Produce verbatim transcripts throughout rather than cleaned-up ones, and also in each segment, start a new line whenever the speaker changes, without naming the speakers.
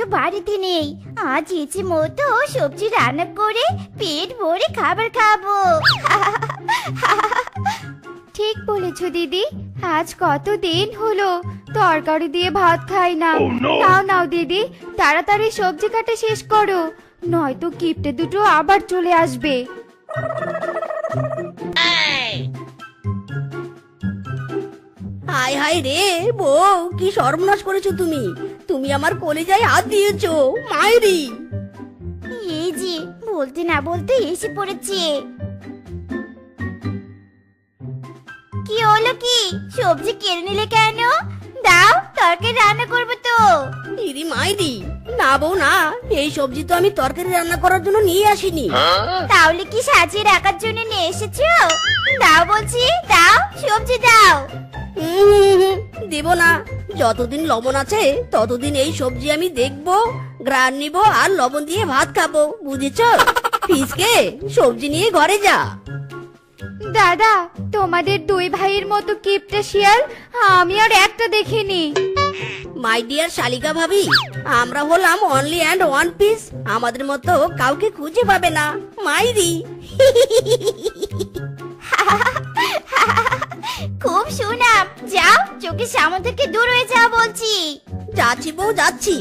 বাড়িতে নেই। আজ ইচ্ছে মতো সবজি রান্না করে পেট ভরে খাবার খাবো।
ঠিক বলেছো দিদি, আজ কত দিন হলো তরকারি দিয়ে ভাত খাই না। নাও নাও দিদি, তাড়াতাড়ি সবজি কাটা শেষ করো, নয়তো কিপটে দুটো আবার চলে আসবে।
হায় হায় রে বউ, কি সর্বনাশ করেছো তুমি। তুমি আমার কলিজায় হাত দিয়েছো মায়েরি।
এই যে বলতে না বলতে এসে পড়েছে। কি হলো কি, সবজি কেড়ে নিলে কেন? দাও, তরকারি রান্না করবো তো।
ইরি মাইরি, না বউ না, এই সবজি তো আমি তরকারি রান্না করার জন্য নিয়ে আসিনি।
তাহলে কি সাজিয়ে রাখার জন্য নিয়ে এসেছো? দাও বলছি, দাও, সবজি দাও।
হুম, দেব না। যতদিন লবণ আছে ততদিন এই সবজি আমি দেখবো, গ্রান নিব আর লবণ দিয়ে ভাত খাবো, বুঝেছো? ফিসকে সবজি নিয়ে ঘরে যা।
দাদা, তোমাদের দুই ভাইয়ের মতো কিপটে শিয়াল আমি আর একটা দেখিনি।
মাই ডিয়ার শালিকা ভাবি, আমরা হলাম অনলি অ্যান্ড ওয়ান পিস, আমাদের মতো কাউকে খুঁজে পাবে না মাইরি।
খুব সুনাম, যাও, চোখের সামনে থেকে দূর হয়ে যাও বলছি।
যাচ্ছি বউ, যাচ্ছি।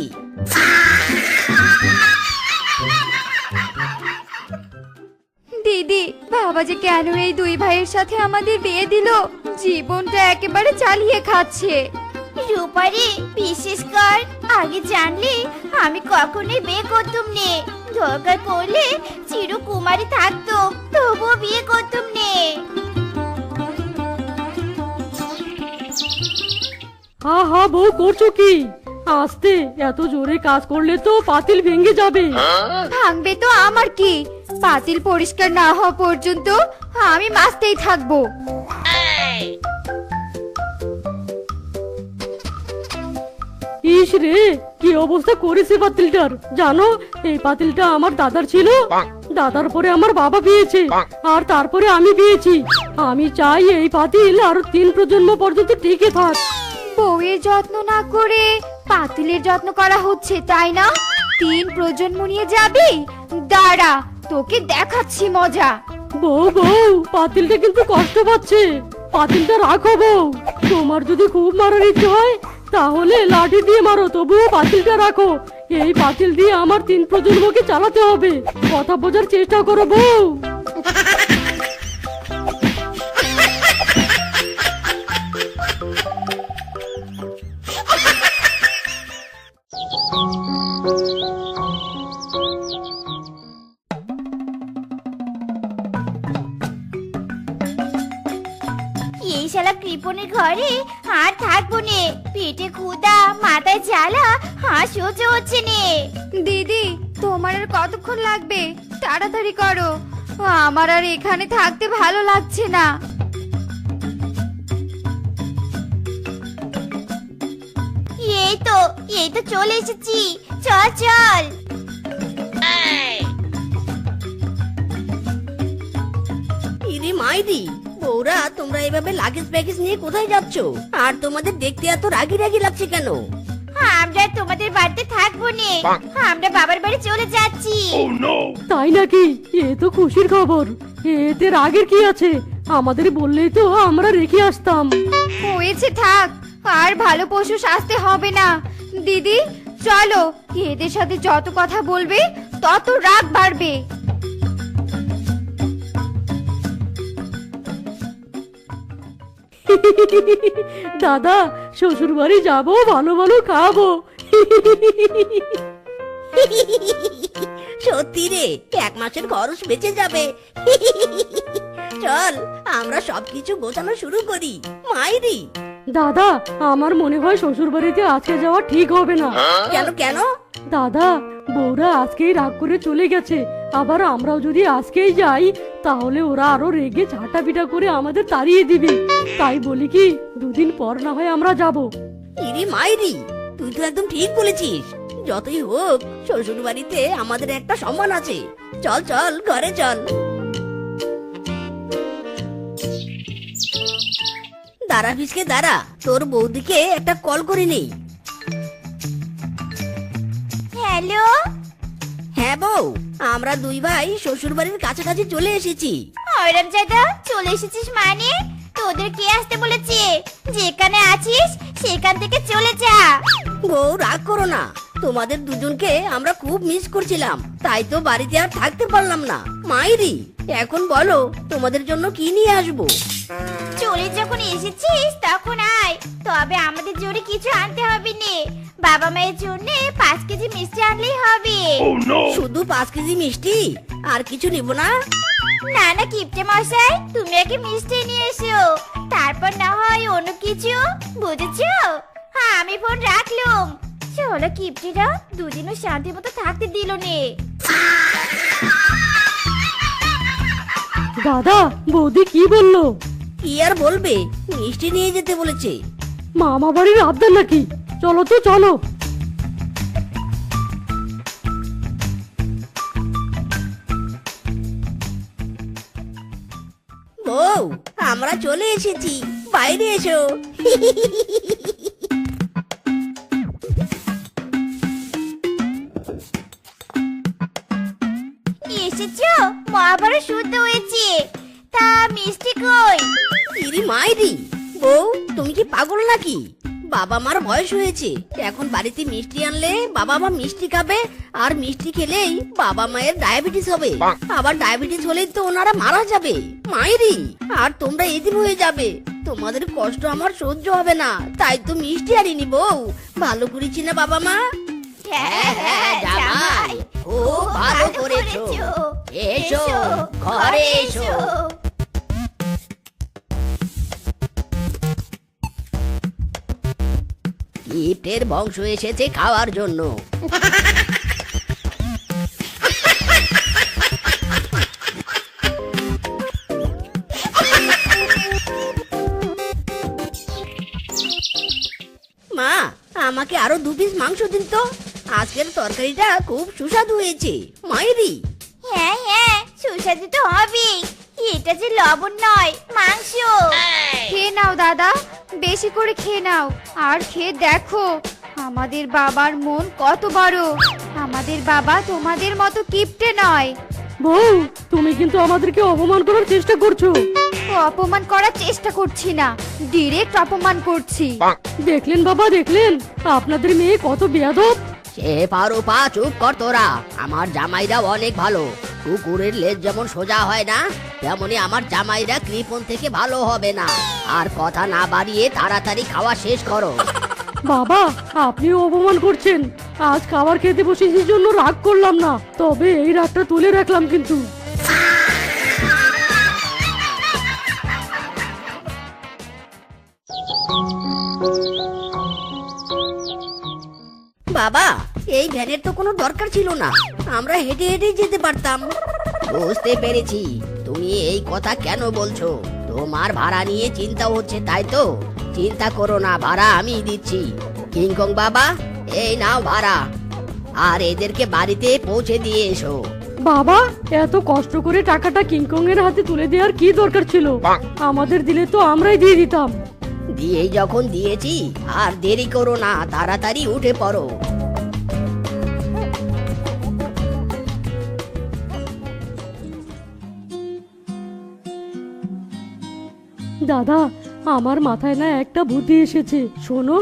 দিদি, বাবা যে কেন এই দুই ভাইয়ের সাথে আমাদের বিয়ে দিল, জীবনটা একেবারে চালিয়ে খাচ্ছে।
রূপারি, বিশেষ কর, আগে জানলে আমি কখনোই বিয়ে করতুম নে। দরকার পড়লে চিরকুমারী থাকতো, তবুও বিয়ে করতুম নে।
হা হা বউ, করছো কি? আস্তে, এত জোরে কাজ করলে তো পাতিল ভেঙে যাবে।
ভাঙবে তো আমার কি, পাতিল পরিষ্কার না হওয়া পর্যন্ত আমি মাজতেই থাকবো।
ইস রে, কি অবস্থা করেছে পাতিলটার। জানো, এই পাতিলটা আমার দাদার ছিল, দাদার পরে আমার বাবা বিয়েছে, আর তারপরে আমি বিয়েছি। আমি চাই এই পাতিল আরো তিন প্রজন্ম পর্যন্ত টিকে থাক।
বউয়ের যত্ন না করে পাতিলের যত্ন করা হচ্ছে, তাই না? তিন প্রজন্ম নিয়ে যাবি? দাঁড়া, তোকে দেখাচ্ছি মজা।
বউ বউ, পাতিলটা কিন্তু কষ্ট পাচ্ছে, পাতিলটা রাখো বউ। তোমার যদি খুব মারার ইচ্ছে হয় তাহলে লাঠি দিয়ে মারো, তবুও পাতিলটা রাখো। এই পাতিল দিয়ে আমার তিন প্রজন্মকে চালাতে হবে, কথা বোঝার চেষ্টা করো বউ।
এই শালা কৃপণের ঘরে আর থাকবো নে। পেটে ক্ষুধা, মাথায় জ্বালা, আর সহ্য হচ্ছে নে।
দিদি, তোমার আর কতক্ষণ লাগবে? তাড়াতাড়ি করো, আমার আর এখানে থাকতে ভালো লাগছে না।
এই তো, এই তো চলে এসেছি, চল চল।
ইরি মাইরি, বউরা তোমরা এভাবে লাগেজ প্যাকেজ নিয়ে কোথায় যাচ্ছ? আর তোমাদের দেখতে এত রাগি রাগি লাগছে কেন?
আমরা তোমাদের বাড়িতে থাকবো নে, আমরা বাবার বাড়ি চলে যাচ্ছি।
তাই নাকি? এ তো খুশির খবর। এতে রাগের কি আছে? আমাদের বললেই তো আমরা রেখে আসতাম।
হয়েছে, থাক, আর ভালো পশু সাজতে হবে না। দিদি চলো, এদের সাথে যত কথা বলবে তত রাগ বাড়বে।
দাদা, শ্বশুর বাড়ি যাবো, ভালো ভালো খাবো।
সত্যি রে, এক মাসের খরচ বেঁচে যাবে। চল, আমরা সবকিছু গোছানো শুরু করি মাইরি।
দাদা, আমার মনে হয় শ্বশুর বাড়িতে আজকে যাওয়া ঠিক হবে না।
কেন কেন?
দাদা, বউরা আজকেই রাগ করে চলে গেছে, আবার আমরাও যদি আজকেই যাই তাহলে ওরা আরো রেগে ঝাঁটা পিটা করে আমাদের তাড়িয়ে দিবে। তাই বলি কি, দুদিন পর না হয় আমরা যাব।
ইরি মাইরি, তুই তো একদম ঠিক বলেছিস। যতই হোক, শ্বশুর বাড়িতে আমাদের একটা সম্মান আছে। চল চল, ঘরে চল। দাঁড়া ফিসকে দাঁড়া, তোর বৌদিকে একটা কল করে নেই।
হ্যালো,
হ্যাঁ বউ, আমরা দুই ভাই শ্বশুর বাড়ির কাছাকাছি চলে এসেছি।
হরম জাদা চলে এসেছিস মানে? তোদের কে আসতে বলেছে? যেখানে আছিস সেখান থেকে চলে যা।
বউ রাগ করো না, তোমাদের দুজনকে আমরা খুব মিস করছিলাম, তাই তো বাড়িতে আর থাকতে পারলাম না। মাইরি, এখন বলো তোমাদের জন্য কি নিয়ে আসবো?
চলে যখন এসেছিস তখন আয়, তবে আমাদের জোরে কিছু আনতে হবে নে। বাবা মায়ের জন্য পাঁচ কেজি মিষ্টি আনলেই হবে।
শুধু পাঁচ কেজি মিষ্টি, আর কিছু নিব না?
না না কিপটে মশাই, তুমি আগে মিষ্টি নিয়ে এসো, তারপর না হয় অন্য কিছু, বুঝেছো? হ্যাঁ আমি ফোন রাখলুম। চলো কিপটিরা দুদিনও শান্তি মতো থাকতে দিল নে।
দাদা, বৌদি কি বললো?
কি আর বলবে, মিষ্টি নিয়ে যেতে বলেছে।
মামা বাড়ির আবদার নাকি? চলো তো চলো।
বউ, আমরা চলে এসেছি, বাইরে এসো।
এসেছো? মহাভারত শুদ্ধ হয়েছে। তা মিষ্টি কই?
ইরি মাইরি, বউ তুমি কি পাগল নাকি? বাবা মার বয়স হয়েছে, এখন বাড়িতে মিষ্টি আনলে বাবা মা মিষ্টি খাবে, আর মিষ্টি খেলেই বাবা মায়ের ডায়াবেটিস হবে, আবার ডায়াবেটিস হলেই তো ওনারা মারা যাবে। মাইরি, আর তোমরা এদিন হয়ে যাবে, তোমাদের কষ্ট আমার সহ্য হবে না, তাই তো মিষ্টি আনিনি বউ। ভালো করেছি না বাবা মা?
হ্যাঁ হ্যাঁ জামাই,
খুব ভালো করেছো। এসো, ঘরে এসো। কিপ্টের বংশ এসেছে খাওয়ার জন্য। মা, আমাকে আরো দু পিস মাংস দিন তো, আজকের তরকারিটা খুব সুস্বাদু হয়েছে। মাইরি,
হ্যাঁ হ্যাঁ সুস্বাদু তো হবে, এটা যে লবণ নয় মাংস।
খেয়ে নাও দাদা, বেশি করে খেয়ে নাও, আর খেয়ে দেখো আমাদের বাবার মন কত বড়। আমাদের বাবা তোমাদের মতো কিপটে নয়।
বউ, তুমি কিন্তু আমাদেরকে অপমান করার চেষ্টা করছো।
ও অপমান করার চেষ্টা করছি না, ডিরেক্ট অপমান করছি।
দেখলেন বাবা, দেখলেন আপনাদের মেয়ে কত বেয়াদব।
সে পারো পা, চুপ কর তোরা। আমার জামাইরা অনেক ভালো, কুকুরের লেজ যেমন সোজা হয় না, তেমনি আমার জামাইরা কৃপণ থেকে ভালো হবে না। আর কথা না বাড়িয়ে তাড়াতাড়ি খাওয়া শেষ করো।
বাবা, আপনিও অপমান করছেন। আজ খাবার খেতে বসেছি জন্য রাগ করলাম না, তবে এই রাগটা তুলে রাখলাম কিন্তু।
বাবা, এই ভ্যানের তো কোনো দরকার ছিল না, আমরা হেঁটে হেঁটে যেতে পারতাম। বুঝতে পেরেছি তুমি এই কথা কেন বলছো, তোমার ভাড়া নিয়ে চিন্তা হচ্ছে তাই তো। চিন্তা করো না, ভাড়া আমি দিচ্ছি। কিংকং বাবা, এই নাও ভাড়া, আর এদেরকে বাড়িতে পৌঁছে দিয়ে এসো।
বাবা, এত কষ্ট করে টাকাটা কিংকং এর হাতে তুলে দেওয়ার কি দরকার ছিল? আমাদের দিলে তো আমরাই দিয়ে দিতাম।
দিয়েই যখন দিয়েছি, আর দেরি করো না, তাড়াতাড়ি উঠে পড়ো।
দাদা, আমার মাথায় না একটা বুদ্ধি এসেছে, শোনো।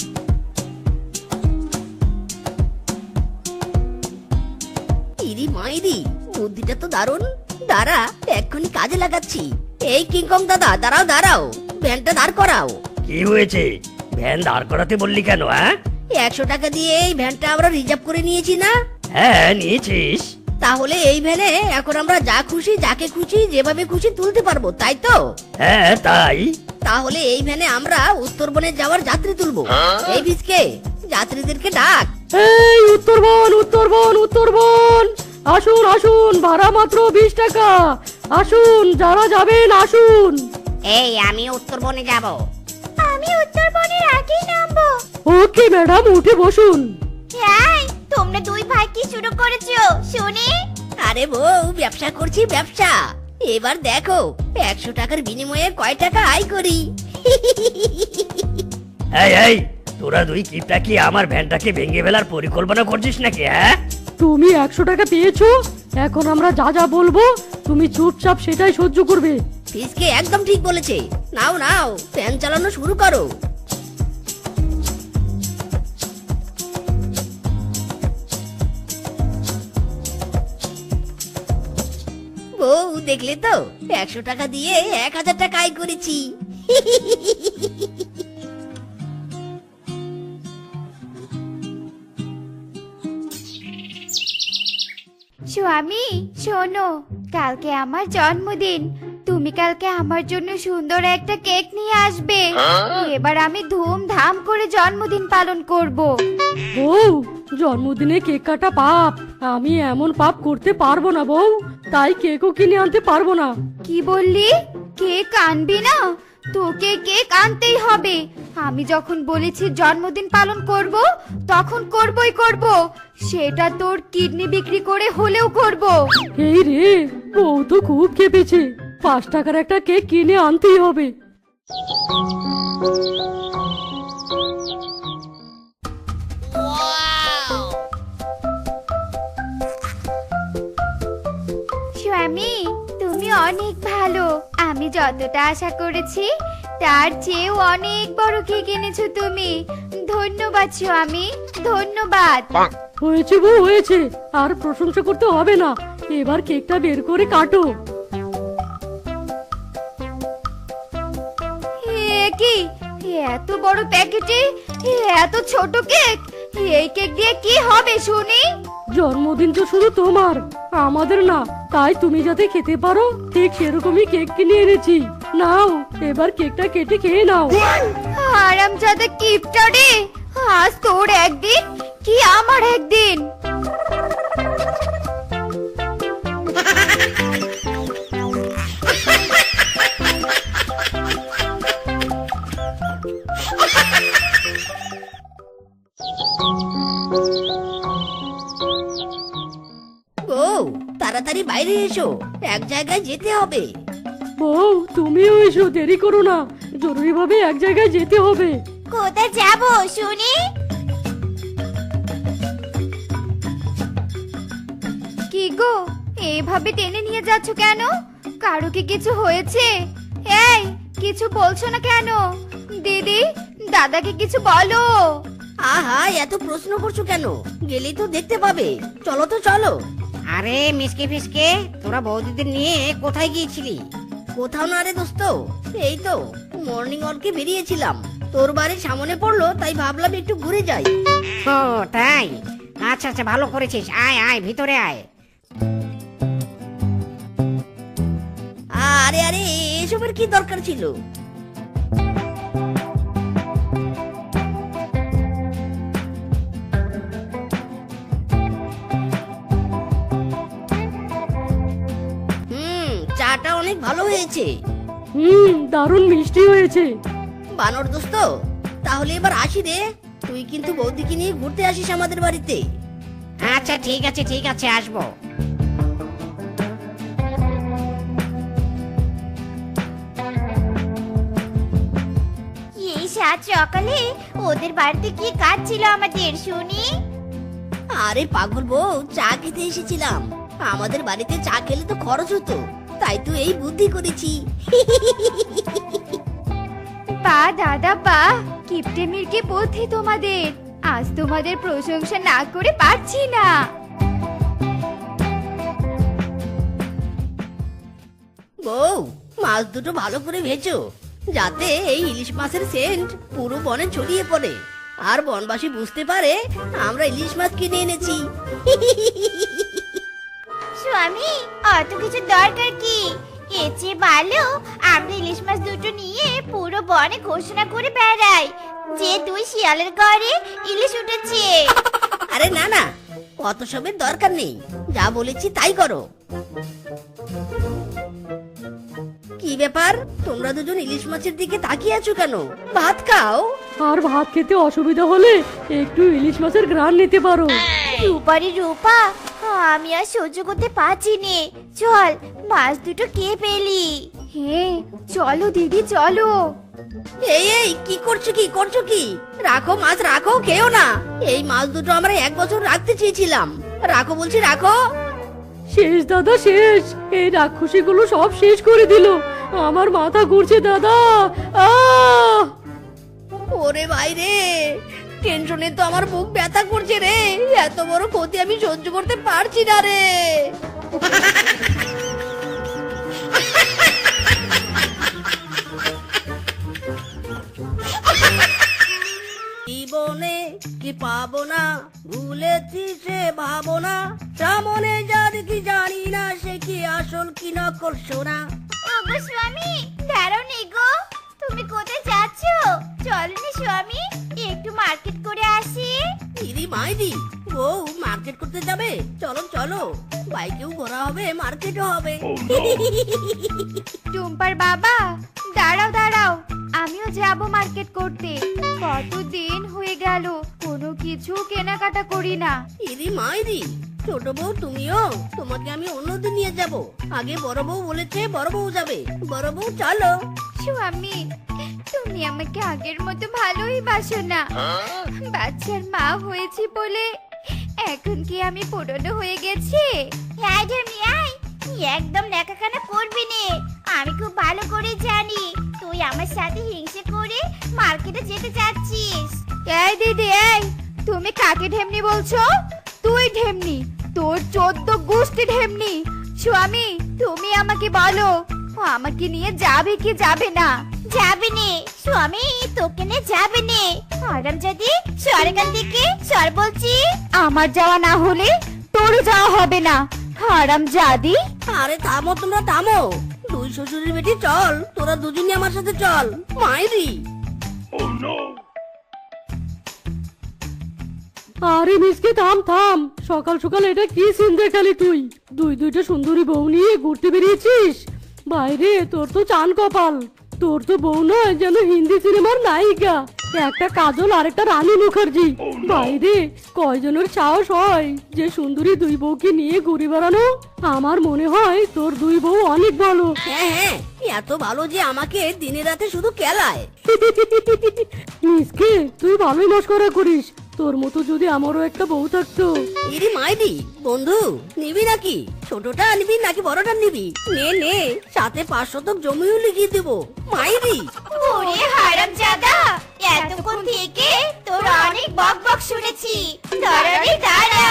ইরি মাইরি, বুদ্ধিটা তো দারুণ। দাঁড়া, এক্ষুনি কাজে লাগাচ্ছি। এই কিংকং দাদা, দাঁড়াও দাঁড়াও, ভ্যানটা দাঁড় করাও।
কি হয়েছে? ভ্যান দাঁড় করাতে বললি কেন? হ্যাঁ
একশো টাকা দিয়ে এই ভ্যানটা আমরা রিজার্ভ করে নিয়েছি না?
হ্যাঁ নিয়েছিস।
তাহলে এই ভ্যানে এখন আমরা যা খুশি যাকে খুশি যেভাবে খুশি তুলতে পারবো, তাই তো?
হ্যাঁ তাই।
তাহলে এই ভ্যানে আমরা উত্তরবনে যাওয়ার যাত্রী তুলবো। এই ভিজকে যাত্রীদেরকে ডাক।
এই উত্তরবন, উত্তরবন, উত্তরবন, আসুন আসুন, ভাড়া মাত্র বিশ টাকা। আসুন, যারা যাবেন আসুন।
এই আমি উত্তরবনে যাব।
আমি উত্তরবনের আগেই নামবো।
ওকে ম্যাডাম, উঠে বসুন।
হ্যাঁ, তোমরা দুই ভাই কি শুরু করেছো শুনি?
আরে বউ, ব্যবসা করছি ব্যবসা। এবার দেখো একশো টাকার বিনিময়ে কয় টাকা আয় করি।
এই এই তোরা দুই কিপটা কি আমার ভ্যানটাকে ভেঙে ফেলার পরিকল্পনা করছিস নাকি হ্যাঁ?
তুমি একশো টাকা পেয়েছো, এখন আমরা যা যা বলবো তুমি চুপচাপ সেটাই সহ্য করবে।
ফিসকে একদম ঠিক বলেছে। নাও নাও ফ্যান চালানো শুরু করো। বউ দেখলে তো, একশো টাকা দিয়ে এক হাজার টাকা আয় করেছি।
স্বামী শোনো, কালকে আমার জন্মদিন, তুমি কালকে আমার জন্য সুন্দর একটা কেক নিয়ে আসবে। এবার আমি ধুমধাম করে জন্মদিন পালন করব।
বউ, জন্মদিনে কেক কাটা পাপ, আমি এমন পাপ করতে পারবো না বউ, তাই কেকও কিনে আনতে পারবো না।
কি বললি? কেক আনবি না? তোকে কেক আনতেই হবে। আমি যখন বলেছি জন্মদিন পালন করব, তখন করবই করব, সেটা তোর কিডনি বিক্রি করে হলেও করব।
এই রে, বউ তো খুব খেপেছে, পাঁচ টাকার একটা কেক কিনে আনতেই হবে।
স্বামী তুমি অনেক ভালো, আমি যতটা আশা করেছি তার চেয়েও অনেক বড় কেক এনেছো তুমি। ধন্যবাদ স্বামী, ধন্যবাদ।
হয়েছে বউ হয়েছে, আর প্রশংসা করতে হবে না, এবার কেকটা বের করে কাটো।
এ কি, এত বড় প্যাকেটে এত ছোট কেক? এই কেক দিয়ে কি হবে শুনি?
জন্মদিন তো শুধু তোমার, আমাদের না, তাই তুমি যাতে খেতে পারো ঠিক সেরকমই কেক কিনে এনেছি। নাও এবার কেকটা কেটে খেয়ে নাও।
আরামজাদা কিপটা রে, আজ তোর একদিন কি আমার একদিন।
বউ তাড়াতাড়ি বাইরে এসো, এক জায়গায় যেতে হবে।
বউ তুমিও এসো, দেরি করো না, জরুরি ভাবে এক জায়গায় যেতে হবে।
কোথায় যাব শুনি?
কি গো, এইভাবে টেনে নিয়ে যাচ্ছ কেন? কারো কি কিছু হয়েছে? এই কিছু বলছো না কেন? দিদি, দাদাকে কিছু বলো।
আহা এত প্রশ্ন করছো কেন? গেলেই তো দেখতে পাবে। চলো তো চলো।
আরে মিসকে ফিসকে, তোরা বৌদিদের নিয়ে কোথায় গিয়েছিলি?
কোথাও না রে দোস্ত, এই তো মর্নিং ওয়ার্কে বেরিয়েছিলাম, তোর বাড়ির সামনে পড়লো তাই ভাবলাম একটু ঘুরে যাই।
ও তাই, আচ্ছা আচ্ছা ভালো করেছিস, আয় আয় ভিতরে আয়।
আরে আরে এসবের কি দরকার ছিল? হুম চাটা অনেক ভালো হয়েছে।
হুম, দারুণ মিষ্টি হয়েছে।
বানর দোস্ত, তাহলে এবার আসি রে, তুই কিন্তু বৌদিকে নিয়ে ঘুরতে আসিস আমাদের বাড়িতে।
আচ্ছা ঠিক আছে ঠিক আছে আসবো।
এই সাত সকালে ওদের বাড়িতে কি কাজ ছিল আমাদের শুনি?
আরে পাগল বউ, চা খেতে এসেছিলাম। আমাদের বাড়িতে চা খেলে তো খরচ হতো, তাই তো এই বুদ্ধি করেছি।
পা দাদা পা, কিপটে মিরকে বুদ্ধি তোমাদের, আজ তোমাদের প্রশংসা না করে পারছি না।
বউ মাছ দুটো ভালো করে ভেজো, যাতে এই ইলিশ মাছের সেন্ট পুরো বনে ছড়িয়ে পড়ে, আর বনবাসী বুঝতে পারে আমরা ইলিশ মাছ কিনে এনেছি।
স্বামী, অত কিছু দরকার কি? এর চেয়ে ভালো আমরা ইলিশ মাছ দুটো নিয়ে পুরো বনে ঘোষণা করে বেড়াই যে দুই শিয়ালের ঘরে ইলিশ উঠেছে।
আরে না না, অত সবের দরকার নেই, যা বলেছি তাই করো। কি ব্যাপার, তোমরা দুজন ইলিশ মাছের দিকে তাকিয়ে আছো কেন? ভাত খাও।
আর ভাত খেতে অসুবিধা হলে একটু ইলিশ মাছের ঘ্রাণ নিতে পারো।
রূপারি রূপা, আমি আর সহ্য করতে পারছি নে, চল মাছ দুটো কে পেলি।
হ্যাঁ চলো দিদি চলো।
এই এই কি করছো কি করছো কি? রাখো মাছ রাখো, খেও না। এই মাছ দুটো আমরা এক বছর রাখতে চেয়েছিলাম। রাখো বলছি রাখো।
শেষ দাদা শেষ, এই রাক্ষসীগুলো সব শেষ করে দিল। আমার মাথা ঘুরছে দাদা। আহ
ওরে ভাই রে, টেনশনে তো আমার বুক ব্যথা করছে রে। এত বড় ক্ষতি আমি সহ্য করতে পারছি না রে। জীবনে কি পাবো না, ভুলেছি সে ভাবনা। সামনে যার কি জানি না, সে কি আসল কি নকল সোনা।
ওগো স্বামী, দাঁড়াও নি গো। তুমি কোথায় যাচ্ছ? চলো নি স্বামী, একটু মার্কেট করে আসি।
ইরি মাইরি, বউ মার্কেট করতে যাবে? চলো চলো, বাইকেও ঘোরা হবে, মার্কেটও হবে।
টুম্পার বাবা, দাঁড়াও দাঁড়াও, আমিও যাব মার্কেট করতে। কতদিন হয়ে গেল কোনো কিছু কেনাকাটা করি না।
ইরি মাইরি, ছোট বউ তুমিও? তোমাকে আমি অন্যদিন নিয়ে যাব। আগে বড় বউ বলেছে বড় বউ যাবে। বড় বউ চলো।
স্বামী, তুমি আমাকে আগের মতো ভালোই বাসো না। বাচ্চার মা হয়েছি বলে এখন কি আমি পুরনো হয়ে গেছি?
আয় ঢেমি আয়, একদম লেখাখানা করবি নে। আমি খুব ভালো করে জানি তুই আমার সাথে হিংসে করে মার্কেটে যেতে চাচ্ছিস।
এই দিদি, এই তুমি কাকে ঢেমনি বলছো? তুই ঢেমনি, তোর চোদ্দ গোষ্ঠী ঢেমনি। স্বামী, তুমি আমাকে বলো, ও আমাকে নিয়ে যাবে কি যাবে না?
যাবে নে স্বামী, তোকে নে যাবে নে। আরাম যদি সরকার থেকে সর বলছি।
আমার যাওয়া না হলে তোর যাওয়া হবে না, হারাম জাদি।
আরে থামো তোমরা থামো। দুই শ্বশুরের বেটি চল, তোরা দুজনই আমার সাথে চল। মাইরি,
আরে মিসকে থাম থাম, সকাল সকাল এটা কি সিন দেখালি তুই? দুই দুইটা সুন্দরী বউ নিয়ে ঘুরতে বেরিয়েছিস? বাইরে তোর তো চান কপাল। তোর তো বউ নয়, যেন হিন্দি সিনেমার নায়িকা। একটা কাজল আর একটা রানী মুখার্জি। বাইরে কয়জনের সাহস হয় যে সুন্দরী দুই বউকে নিয়ে ঘুরে বেড়ানো? আমার মনে হয় তোর দুই বউ অনেক ভালো।
হ্যাঁ হ্যাঁ, এত ভালো যে আমাকে দিনে রাতে শুধু কেলায়।
মিসকে, তুই ভালোই মস্করা করিস। তোর মতো যদি আমারও একটা বউ থাকতো।
ইরি মাইরি, বন্ধু নিবি নাকি? ছোটটা নিবি নাকি বড়টা নিবি? নে নে, সাথে পাঁচ শতক জমিও লিখিয়ে দেবো। মাইরি,
ওরে হারাম জাদা, এতক্ষণ থেকে তোর অনেক বক বক শুনেছি। দাঁড়া রে দাঁড়া।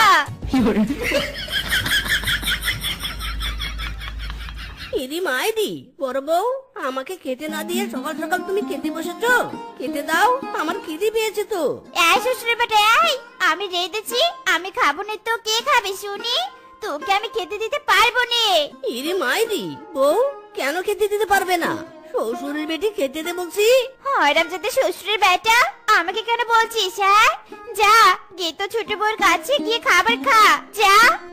ইরি মাইরি, বড় বউ আমাকে খেতে না দিয়ে সকাল সকাল তুমি খেতে বসেছো? খেতে দাও, আমার খিদে পেয়েছে তো।
এই শ্বশুর বেটা এই, আমি রেঁধেছি, আমি খাবো না তো কে খাবে শুনি? তোকে আমি খেতে দিতে পারবো না।
ইরি মাইরি, বউ কেন খেতে দিতে পারবে না? শ্বশুরের বেটি খেতে দে বলছি।
হারাম যাতে শ্বশুরের বেটা, আমাকে কেন বলছিস? হ্যাঁ, যা গিয়ে তো ছোট বউর কাছে গিয়ে খাবার খা, যা।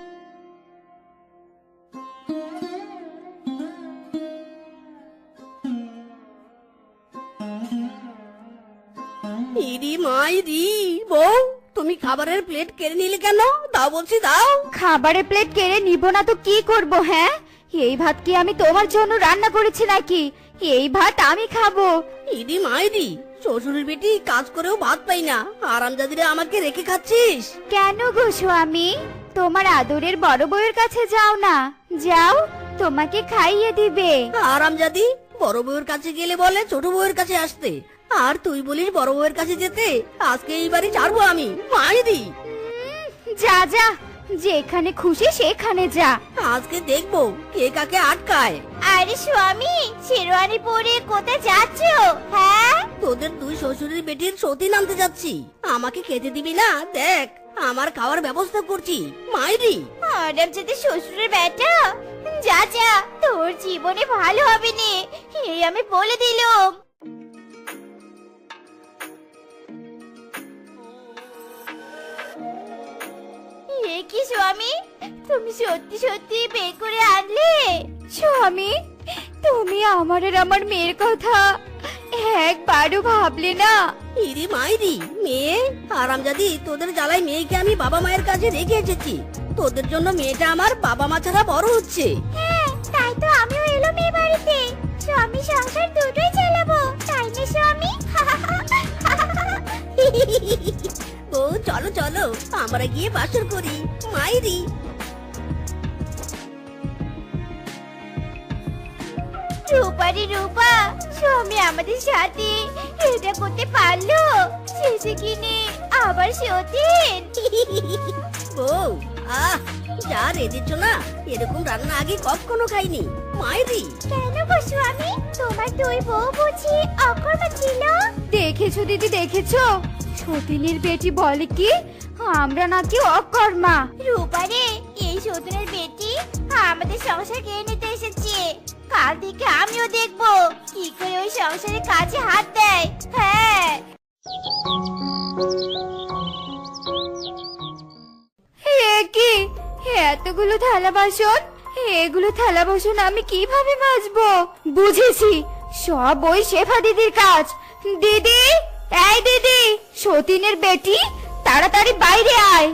ইরি মাইরি, বউ তুমি খাবারের প্লেট কেড়ে নিলে কেন? দাও বলছি দাও।
খাবারের প্লেট কেড়ে নিব না তো কি করব? হ্যাঁ, এই ভাত কি আমি তোমার জন্য রান্না করেছি নাকি? এই ভাত আমি খাবো।
ইরি মাইরি, শ্বশুরের বেটি কাজ করেও ভাত পাই না, আরামজাদিরে আমাকে রেখে খাচ্ছিস?
কেন গো স্বামী, তোমার আদরের বড় বউয়ের কাছে যাও না, যাও, তোমাকে খাইয়ে দিবে।
আরামজাদি বড় বউয়ের কাছে গেলে বলে ছোট বউয়ের কাছে আসতে, আর তুই বলিস বড় বউয়ের কাছে যেতে। আজকে এই বাড়ি ছাড়বো আমি। মাইরি,
যা যা, যেখানে খুশি সেখানে যা।
আজকে দেখবো কে কাকে আটকায়।
আরে স্বামী, শেরওয়ানি পরে কোথায় যাচ্ছ? হ্যাঁ,
তোদের দুই শ্বশুরের বেটির সতী নামতে যাচ্ছি। আমাকে খেতে দিবি না? দেখ আমার খাওয়ার ব্যবস্থা করছি। মাইরি,
হারাম যাতে শ্বশুরের বেটা, যা যা, তোর জীবনে ভালো হবে না, এই আমি বলে দিলাম। এ কি স্বামী, তুমি সত্যি সত্যি বের করে আনলে?
স্বামী, তুমি আমার আর আমার মেয়ের কথা একবারও ভাবলে না?
ইরি মাইরি, মেয়ে আরামজাদি, তোদের জ্বালায় মেয়েকে আমি বাবা মায়ের কাছে রেখে এসেছি। তোদের জন্য মেয়েটা আমার বাবা মা ছাড়া বড় হচ্ছে।
হ্যাঁ, তাই তো আমিও এলাম এই বাড়িতে। স্বামী সংসার দুটোই চালাবো, তাই না স্বামী।
ও চলো চলো আমরা গিয়ে বাসর করি মাইরি।
রূপা রে রূপা, স্বামী আমাদের সাথে এটা করতে পারলো, শেষে কিনে আবার সতীন।
বউ আহ যা রেঁধেছ না, এরকম রান্না আগে কখনো খাইনি মাইরি।
কেন গো স্বামী, তোমার দুই বউ বুঝি অকর্মা ছিল?
দেখেছো দিদি, দেখেছো সতীনের বেটি বলে কি আমরা নাকি অকর্মা।
রূপা রে, এই সতীনের বেটি আমাদের সংসার খেয়ে নিতে এসেছে। কাল থেকে আমিও দেখবো কি করে ওই সংসারের কাজে হাত দেয়। হ্যাঁ
এ কি এতগুলো থালা বাসন, এগুলো থালা বাসন আমি কিভাবে মাজবো? বুঝেছি, সব ওই শেফা দিদির কাজ। দিদি, এই দিদি, সতীনের বেটি তাড়াতাড়ি বাইরে আয়।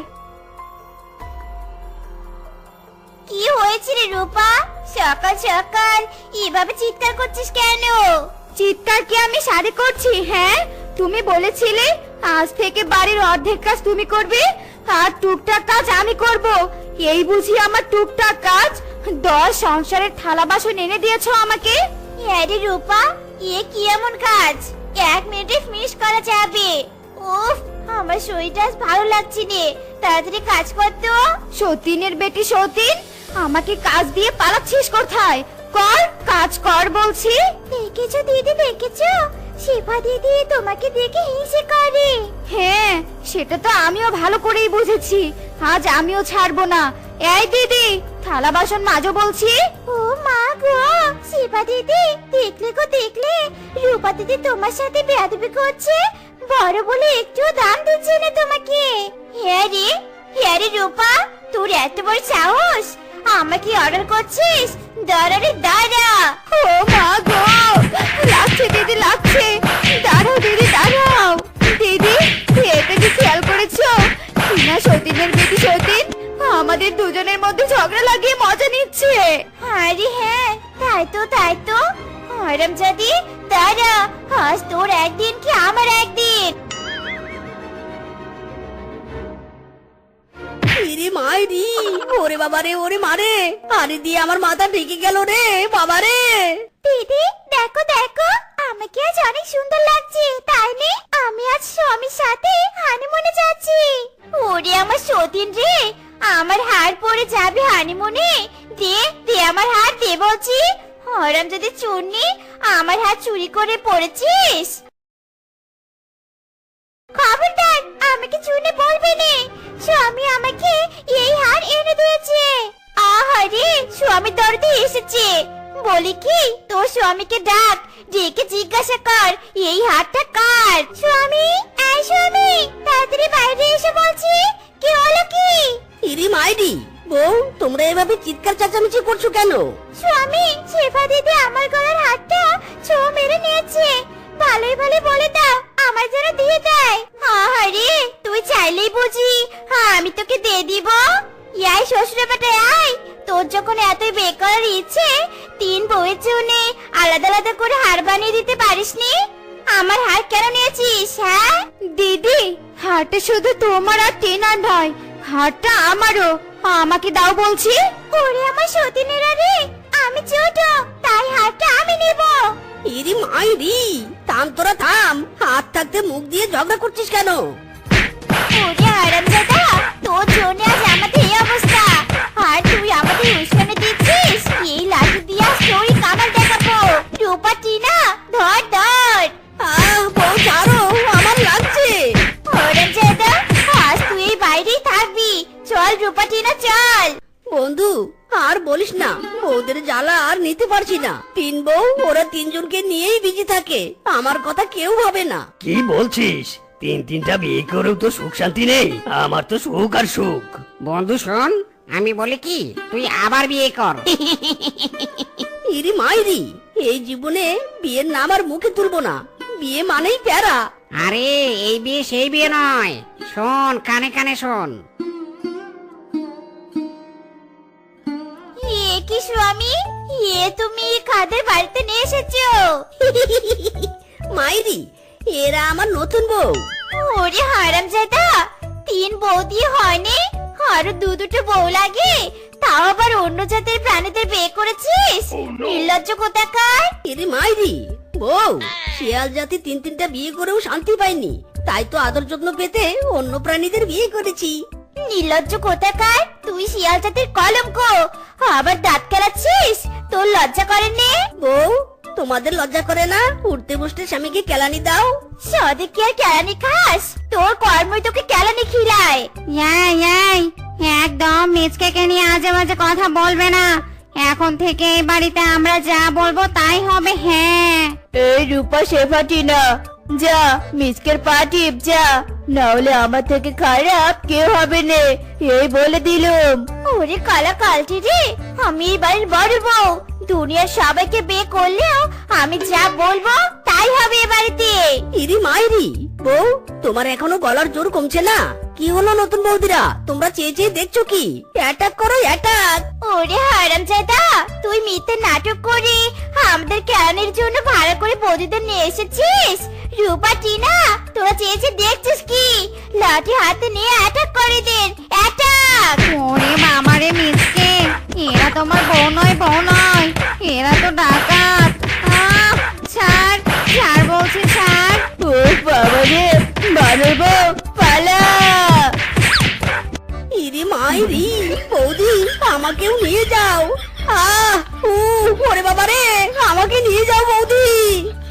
কি হয়েছে রে রূপা, সকাল সকাল এভাবে চিৎকার করছিস কেন?
চিৎকার কি আমি সারি করছি? হ্যাঁ, তুমি বলেছিলে আজ থেকে বাড়ির অর্ধেক কাজ তুমি করবে আর টুকটাক কাজ আমি করব। এই বুঝি আমার টুকটাক কাজ? দশ সংসারের থালা বাসন এনে দিয়েছো আমাকে।
আরে রূপা, এ কি এমন কাজ এক মিনিটে ফিনিশ করা যাবে? উফ, আমার শরীরটা আজ ভালো লাগছে রে, তাড়াতাড়ি কাজ কর তো।
সতীনের বেটি সতীন, আমাকে কাজ দিয়ে পালাচ্ছিস কোথায়? কর, কাজ কর বলছি।
দেখেছো দিদি, দেখেছো শেফা দিদি তোমাকে দেখে হিংসে করে।
হ্যাঁ, সেটা তো আমিও ভালো করেই বুঝেছি, আজ আমিও ছাড়বো না। এই দিদি, থালা বাসন মাজো বলছি।
ও মা গো, শেফা দিদি দেখলে গো দেখলে, রূপা দিদি তোমার সাথে বেয়াদবি করছে, বড় বলে একটু দাম দিচ্ছে না তোমাকে। হ্যাঁ রে, হ্যাঁ রে রূপা, তোর এত বড় সাহস, আমাকে অর্ডার করছিস? দাঁড়া রে দাঁড়া।
ও মা গো, লাগছে দিদি, লাগছে। দাঁড়াও দিদি, দাঁড়াও। দিদি, এটা কি খেয়াল করেছো কিনা সতীনের বেটি সতীন আমাদের দুজনের মধ্যে ঝগড়া লাগিয়ে মজা নিচ্ছে?
আরে হ্যাঁ, তাই তো তাই তো। হারামজাদি দাঁড়া, আজ তোর একদিন কি আমার একদিন।
ইরে মাইরি, ওরে বাবা রে, ওরে মারে, আরে দিয়ে আমার মাথা ঢেকে গেল রে বাবা রে।
দিদি দেখো দেখো, আমাকে আজ অনেক সুন্দর লাগছে, তাই নে? আমি আজ স্বামীর সাথে হানিমুনে যাচ্ছি। ওরে আমার সতীন রে, আমার হার পরে যাবে হানিমুনে? দে দে আমার হার, দে বলছি। হরাম যদি চুন্নি, আমার হাত চুরি করে পড়েছিস। খবরদার, আমাকে চুনি বলবি নে, স্বামী আমাকে এই হার এনে দিয়েছে। আহারে, স্বামী দরদি এসেছে। বলি কি, তোর স্বামীকে ডাক, ডেকে জিজ্ঞাসা কর এই হারটা কার। স্বামী, এই স্বামী, তাড়াতাড়ি বাইরে এসে বলছি। কি হলো কি?
ইরে মাইরি, বউ তোমরা এভাবে চিৎকার চেঁচামেচি করছো কেন?
স্বামী, শেফা দিদি আমার গলার হাতটা ছো মেরে নিয়েছে, ভালোই ভালো বলে দাও আমার যেন দিয়ে দেয়। আহারে, তুই চাইলেই বুঝি হ্যাঁ আমি তোকে দিয়ে দিব? ইয়াই শ্বশুর বেটা আয়, তোর যখন এতই বেকার ইচ্ছে, তিন বউয়ের জন্য আলাদা আলাদা করে হার বানিয়ে দিতে পারিসনি? আমার হার কেন নিয়েছিস? হ্যাঁ
দিদি, হারটা শুধু তোমার আর টেনার নয়, হারটা আমারও। আমাকে দাও বলছি।
ওরে আমার সতীনেরা রে, আমি ছোট, তাই হারটা আমি নেব।
ইরে মাইরি, থাম তোরা থাম, হাত থাকতে মুখ দিয়ে ঝগড়া করছিস কেন?
ওরে হারামজাদা, তোর জন্য আজ আমাদের এই অবস্থা, আর তুই আমাদের উস্কানি দিচ্ছিস। এই লাঠি দিয়ে আজ তোরই কামাল দেখাবো। রূপা টিনা, ধর ধর।
আহ বউ ছাড়ো, আমার লাগছে।
হারামজাদা, আজ তুই এই বাইরেই থাকবি। চল রূপা টিনা, চল।
বন্ধু আর বলিস না, বউদের জ্বালা আর নিতে পারছি না। তিন বউ, ওরা তিনজনকে নিয়েই বিজি থাকে, আমার কথা কেউ ভাবে না।
কি বলছিস? তিন তিনটা বিয়ে করেও তো সুখ শান্তি নেই, আমার তো সুখ আর সুখ।
বন্ধু শোন, আমি বলি কি, তুই আবার বিয়ে কর।
ইরি মাইরি, এই জীবনে বিয়ের নাম আর মুখে তুলবো না, বিয়ে মানেই প্যারা।
আরে এই বিয়ে সেই বিয়ে নয়, শোন কানে কানে শোন।
এ কি স্বামী, এ তুমি কাদের বাড়িতে নিয়ে এসেছো?
মাইরি, এরা আমার নতুন বউ।
ওরে হারামজাদা, তিন বউ দিয়ে হয়নি, আরো দু দুটো বউ লাগে, তাও আবার অন্য জাতের প্রাণীদের বিয়ে করেছিস? নির্লজ্জ কোথাকার!
এরে মাইরি, বউ শিয়াল জাতি তিন তিনটা বিয়ে করেও শান্তি পায়নি, তাই তো আদর যত্ন পেতে অন্য প্রাণীদের বিয়ে করেছি।
নির্লজ্জ কোথাকার! তুই শিয়াল জাতির কলঙ্ক, আবার দাঁত কেলাচ্ছিস, তোর লজ্জা করেনি?
বউ, তোমাদের লজ্জা করে না উঠতে বসতে স্বামীকে কেলানি দাও?
সদে কি আর কেলানি খাস? তোর কর্মই তোকে কেলানি খিলায়।
এই এই একদম মিচকে নিয়ে আজে বাজে কথা বলবে না। এখন থেকে এই বাড়িতে আমরা যা বলবো তাই হবে। হ্যাঁ,
এই রূপা শেফাটি না, যা মিসকের পা টিপ যা, না হলে আমার থেকে খারাপ কেউ হবে না, এই বলে দিলুম। ওরে কালা কালটি রে, আমি এই বাড়ির বড় বউ, দুনিয়ার সবাইকে বিয়ে করলেও আমি যা বলবো তাই হবে এ বাড়িতে।
ইরি মাইরি, বউ তোমার এখনো গলার জোর কমছে না? কি হলো নতুন বৌদিরা, তোমরা চেয়ে চেয়ে দেখছো কি? অ্যাটাক করো অ্যাটাক।
ওরে হারামজাদা, তুই মিথ্যে নাটক করে আমাদের কেরানির জন্য ভাড়া করে বৌদিদের নিয়ে এসেছিস। রূপা টিনা, তোরা চেয়ে চেয়ে দেখছিস কি? লাঠি হাতে নিয়ে অ্যাটাক করে দেন, অ্যাটাক!
ওরে বাবারে মিচকে, এরা তোমার বউ নয়, বউ নয়, এরা তো ডাকাত। আহ, ছাড় ছাড় বলছি, ছাড়।
ও বাবা রে, বানর বউ পালা!
ইরি মাইরি, বৌদি আমাকেও নিয়ে যাও। আহ উ ওরে বাবা রে, আমাকে নিয়ে যাও বৌদি।